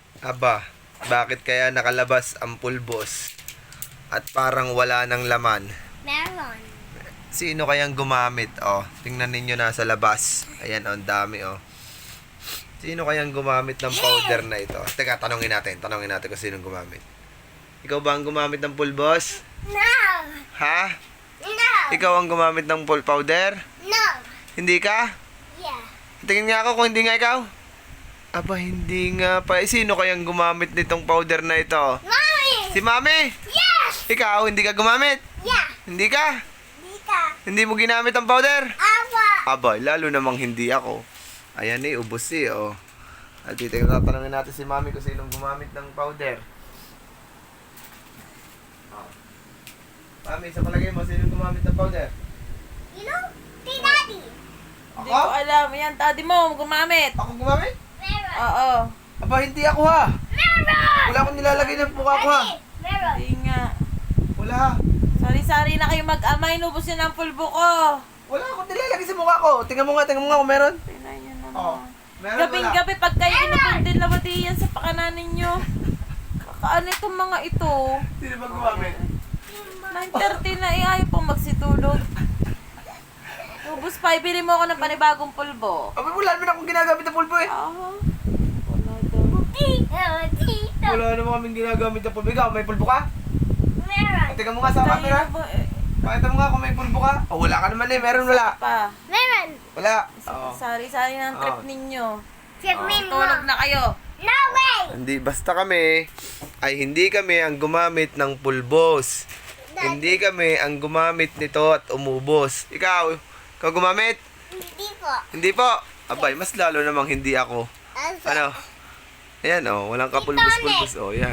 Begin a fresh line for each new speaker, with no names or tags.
Aba, bakit kaya nakalabas ang pulbos at parang wala ng laman?
Meron.
Sino kayang gumamit? Oh, tingnan ninyo nasa labas. Ayan, oh, ang dami, oh. Sino kayang gumamit ng powder na ito? Teka, tanongin natin kung sinong gumamit. Ikaw ba ang gumamit ng pulbos?
No.
Ha?
No.
Ikaw ang gumamit ng powder?
No.
Hindi ka?
Yeah.
Tingin nga ako kung hindi nga ikaw. Aba, hindi nga pa. Sino kayang gumamit nitong powder na ito?
Mommy.
Si Mami?
Yes.
Ikaw, hindi ka gumamit?
Yeah.
Hindi ka?
Dika.
Hindi mo ginamit ang powder?
Awa.
Aba, lalo namang hindi ako. Ayan eh, ubos eh, oh. At dito, tatanungin natin si Mami kung sinong gumamit ng powder. Oh. Mami, sa palagay mo, sinong gumamit ng powder?
You know? Si Daddy.
Hindi ko alam. Yan, daddy mo, gumamit.
Ako gumamit?
Meron.
Oo.
Aba, hindi ako ha.
Meron.
Wala akong nilalagay ng mukha ko ha.
Daddy. Meron.
Hindi nga.
Wala ha.
Sari-sari na kayo mag-ama. Inubos yun ang pulbo ko.
Wala akong nilalagay sa mukha ko. Tingnan mo nga kung meron.
Pinay nyo naman.
Oh. Meron
Gabing-gabi pag kayo inupundin labadi yan sa pakanan ninyo. Kakaano itong mga ito?
Sino ba gumamit?
9:30 na ayaw pong magsitulog. Ubus pa, ibili mo ako ng panibagong pulbo.
Aba, wala naman akong ginagamit na pulbo eh.
Ah, wala daw.
Tito.
Wala naman kaming ginagamit na pulbo. Ikaw, may pulbo ka?
Meron.
Tingnan mo nga sa camera.
Tayo na ba, eh,
Pakita mo nga kung may pulbo ka. Oh, wala ka naman eh. Meron, wala.
pa.
Meron.
Wala. Oo.
Sari-sari ng trip
Oo.
ninyo.
Sabihin mo.
Tulog na kayo.
No way.
Hindi, basta kami ay hindi kami ang gumamit ng pulbos. Hindi kami ang gumamit nito at umubos. Ikaw gumamit?
Hindi po.
Hindi po. Abay, mas lalo namang hindi ako.
Also,
Ano? Ayan oh, walang kapulbos-pulbos. Oh, yan.